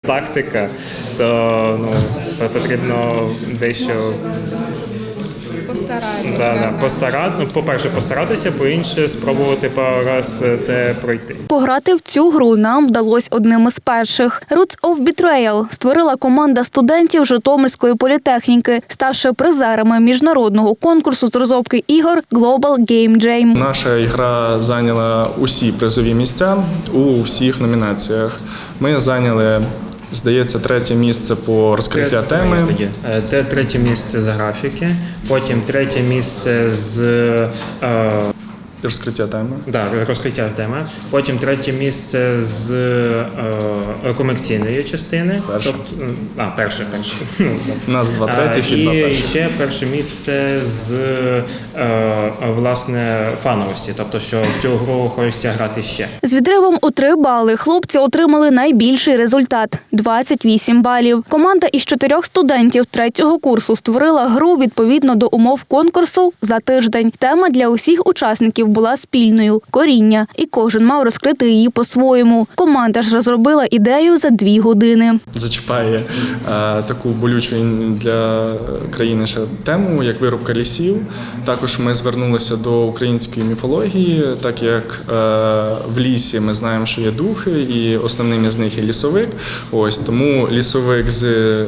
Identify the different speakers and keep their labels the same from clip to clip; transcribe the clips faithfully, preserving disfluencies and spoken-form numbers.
Speaker 1: Тактика, то ну, потрібно дещо
Speaker 2: Постаратися.
Speaker 1: да, да, постарати, ну, по-перше, постаратися, по-інше, спробувати пару раз це пройти.
Speaker 3: Пограти в цю гру нам вдалося одним із перших. Roots of Betrayal створила команда студентів Житомирської політехніки, ставши призерами міжнародного конкурсу з розробки ігор Global Game Jam.
Speaker 4: Наша гра зайняла усі призові місця у всіх номінаціях. Ми зайняли, здається, третє місце по розкриття теми.
Speaker 1: Те третє місце з графіки, потім третє місце з е,
Speaker 4: Розкриття теми.
Speaker 1: да, розкриття теми, потім третє місце з е, комерційної частини.
Speaker 4: Перше.
Speaker 1: Тобто, а, перше, перше.
Speaker 4: У нас два третіх і два
Speaker 1: І
Speaker 4: перших.
Speaker 1: ще перше місце з е, власне фановості, тобто що в цю гру хочеться грати ще.
Speaker 3: З відривом у три бали хлопці отримали найбільший результат – двадцять вісім балів. Команда із чотирьох студентів третього курсу створила гру відповідно до умов конкурсу за тиждень. Тема для усіх учасників була спільною – коріння, і кожен мав розкрити її по-своєму. Команда ж розробила ідею за дві години.
Speaker 4: Зачіпає е, таку болючу для країни ще тему, як вирубка лісів. Також ми звернулися до української міфології, так як е, в лісі ми знаємо, що є духи, і основним із них є лісовик. Ось тому лісовик з е,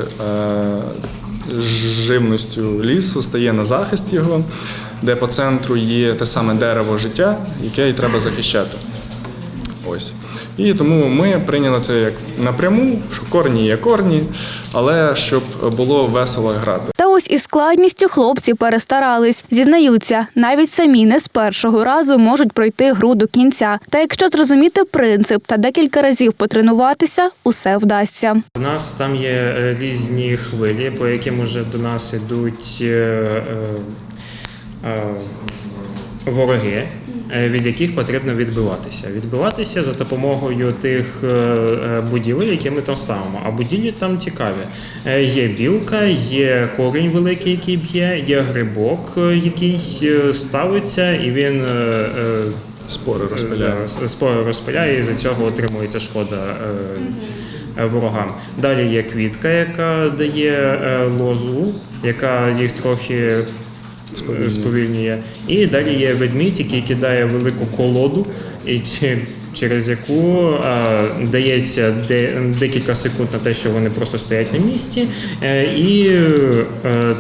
Speaker 4: живністю лісу стає на захист його, де по центру є те саме дерево життя, яке і треба захищати. Ось. І тому ми прийняли це як напряму, що корні є корні, але щоб було весело грати.
Speaker 3: Та ось із складністю хлопці перестарались. Зізнаються, навіть самі не з першого разу можуть пройти гру до кінця. Та якщо зрозуміти принцип та декілька разів потренуватися, усе вдасться.
Speaker 1: У нас там є різні хвилі, по яким уже до нас йдуть е, е, е, вороги, від яких потрібно відбиватися. Відбиватися за допомогою тих будівель, які ми там ставимо. А будівлі там цікаві. Є білка, є корінь великий, який б'є, є грибок, який ставиться, і він
Speaker 4: Спори розпиляє.
Speaker 1: Спори розпиляє, і за цього отримується шкода ворогам. Далі є квітка, яка дає лозу, яка їх трохи Сповільнює. сповільнює. І далі є ведмідь, який кидає велику колоду, і через яку а, дається де, декілька секунд на те, що вони просто стоять на місці, і а,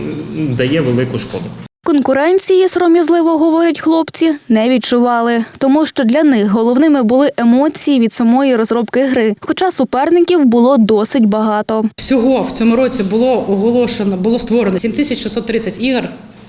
Speaker 1: дає велику шкоду.
Speaker 3: Конкуренції, сором'язливо говорять хлопці, не відчували, тому що для них головними були емоції від самої розробки гри, хоча суперників було досить багато.
Speaker 5: Всього в цьому році було оголошено, було створено сім тисяч шістсот тридцять ігор.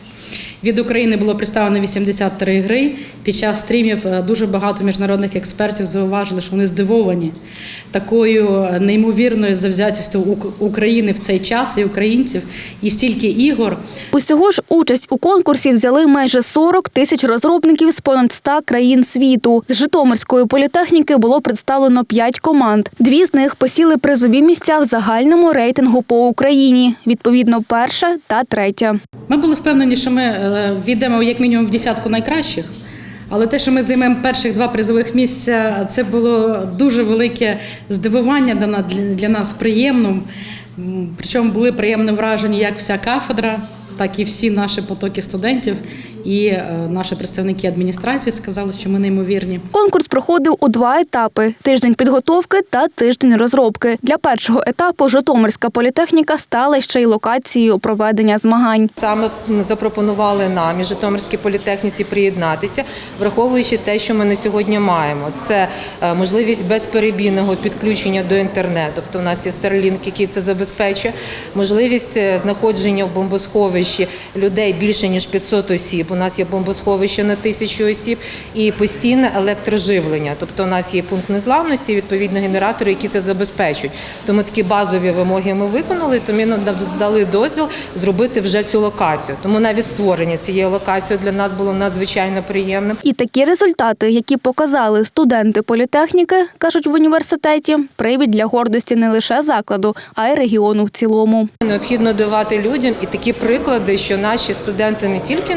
Speaker 5: Від України було представлено вісімдесят три гри. Під час стрімів дуже багато міжнародних експертів зауважили, що вони здивовані такою неймовірною завзятістю України в цей час і українців, і стільки ігор.
Speaker 3: Усього ж участь у конкурсі взяли майже сорок тисяч розробників з понад ста країн світу. З Житомирської політехніки було представлено п'ять команд. Дві з них посіли призові місця в загальному рейтингу по Україні, відповідно перша та третя.
Speaker 5: Ми були впевнені, що ми війдемо як мінімум в десятку найкращих, але те, що ми займемо перших два призових місця, це було дуже велике здивування для нас, приємно. Причому були приємно вражені як вся кафедра, так і всі наші потоки студентів. І наші представники адміністрації сказали, що ми неймовірні.
Speaker 3: Конкурс проходив у два етапи – тиждень підготовки та тиждень розробки. Для першого етапу Житомирська політехніка стала ще й локацією проведення змагань.
Speaker 2: Саме запропонували нам і Житомирській політехніці приєднатися, враховуючи те, що ми на сьогодні маємо. Це можливість безперебійного підключення до інтернету, тобто у нас є Starlink, який це забезпечує, можливість знаходження в бомбосховищі людей більше ніж п'ятсот осіб. У нас є бомбосховище на тисячу осіб і постійне електроживлення. Тобто у нас є пункт незламності, відповідно генератори, які це забезпечують. Тому такі базові вимоги ми виконали, тому нам дали дозвіл зробити вже цю локацію. Тому навіть створення цієї локації для нас було надзвичайно приємним.
Speaker 3: І такі результати, які показали студенти політехніки, кажуть в університеті, привід для гордості не лише закладу, а й регіону в цілому.
Speaker 2: Необхідно давати людям і такі приклади, що наші студенти не тільки нікуди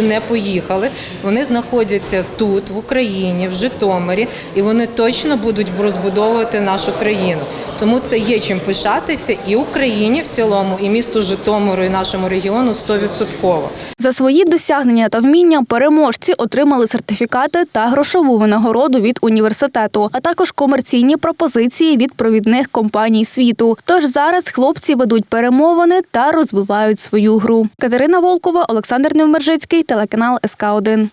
Speaker 2: не поїхали. Вони знаходяться тут, в Україні, в Житомирі, і вони точно будуть розбудовувати нашу країну. Тому це є чим пишатися і Україні в цілому, і місту Житомиру, і нашому регіону сто відсотків.
Speaker 3: За свої досягнення та вміння переможці отримали сертифікати та грошову винагороду від університету, а також комерційні пропозиції від провідних компаній світу. Тож зараз хлопці ведуть перемовини та розвивають свою гру. Катерина Волкова, Олександр Невмержицький, телеканал ес ка один.